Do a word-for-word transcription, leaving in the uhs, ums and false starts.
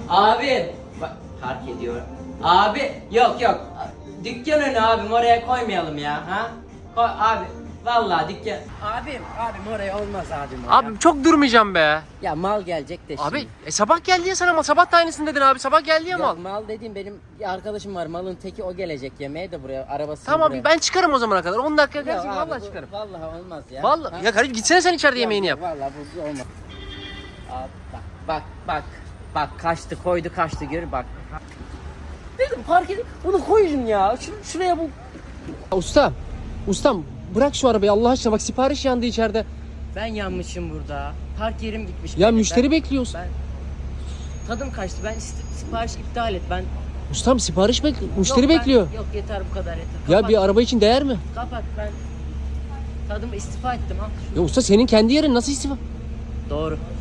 Abi bak park ediyor. Abi yok yok. Dükkan önü abim oraya koymayalım ya ha. Koy abi. Vallahi dükkan. Abim abim oraya olmaz abim. Oraya. Abi çok durmayacağım be. Ya mal gelecek de şimdi. Abi e, sabah geldi ya sana mal. Sabah da aynısını dedin abi. Sabah geldi ya mal. Yok, mal dediğim benim bir arkadaşım var. Malın teki o gelecek yemeğe de buraya arabası. Tamam buraya. abi ben çıkarım o zamana kadar. on dakika Yok gelsin abi, vallahi bu- çıkarım. Vallahi olmaz ya. Vallahi Ha? ya kardeşim gitsene sen içeride Yok, yemeğini yap. Vallahi bu olmaz. Abi bak bak bak. Bak kaçtı koydu kaçtı gör bak. Dedim park edin bunu koyun ya. Şur şuraya bu. Usta. Ustam bırak şu arabayı Allah aşkına bak sipariş yandı içeride. Ben yanmışım burada. Park yerim gitmiş. Ya benim. müşteri ben, bekliyoruz. Ben tadım kaçtı. Ben iste- sipariş iptal et. Ben Ustam sipariş bek müşteri Yok, ben- bekliyor. Yok yeter bu kadar yeter. Ya Kapat, bir araba için değer mi? kapat ben tadımı istifa ettim al. Ya usta senin kendi yerin nasıl istifa? Doğru.